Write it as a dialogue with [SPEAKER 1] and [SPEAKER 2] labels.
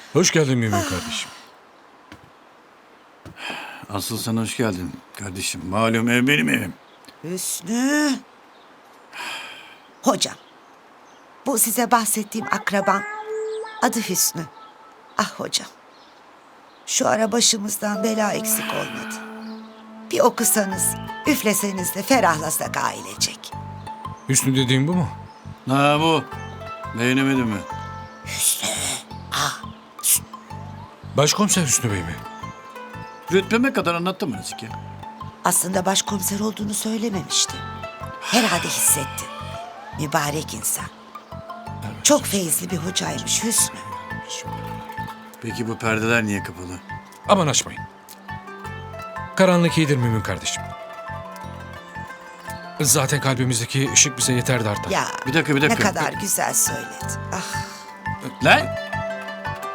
[SPEAKER 1] Hoş geldin Mümin kardeşim.
[SPEAKER 2] Asıl sen hoş geldin kardeşim. Malum ev benim evim.
[SPEAKER 3] Hüsnü. Hocam, bu size bahsettiğim akraban adı Hüsnü. Ah hocam, şu ara başımızdan bela eksik olmadı. Bir okusanız, üfleseniz de ferahlasak ailecek.
[SPEAKER 1] Hüsnü dediğin bu mu?
[SPEAKER 2] Ha bu. Beğenemedin mi?
[SPEAKER 1] Başkomiser Hüsnü Bey mi?
[SPEAKER 2] Rütbeme kadar anlattım mı Nazike?
[SPEAKER 3] Aslında başkomiser olduğunu söylememişti. Herhalde hissetti. Mübarek insan. Çok feyizli bir hocaymış Hüsnü.
[SPEAKER 2] Peki bu perdeler niye kapalı?
[SPEAKER 1] Aman açmayın. Karanlık iyidir Mümin kardeşim. Zaten kalbimizdeki ışık bize yeter de artar.
[SPEAKER 3] Ya
[SPEAKER 2] Bir dakika.
[SPEAKER 3] ne kadar güzel söyledi. Ah
[SPEAKER 2] Lan!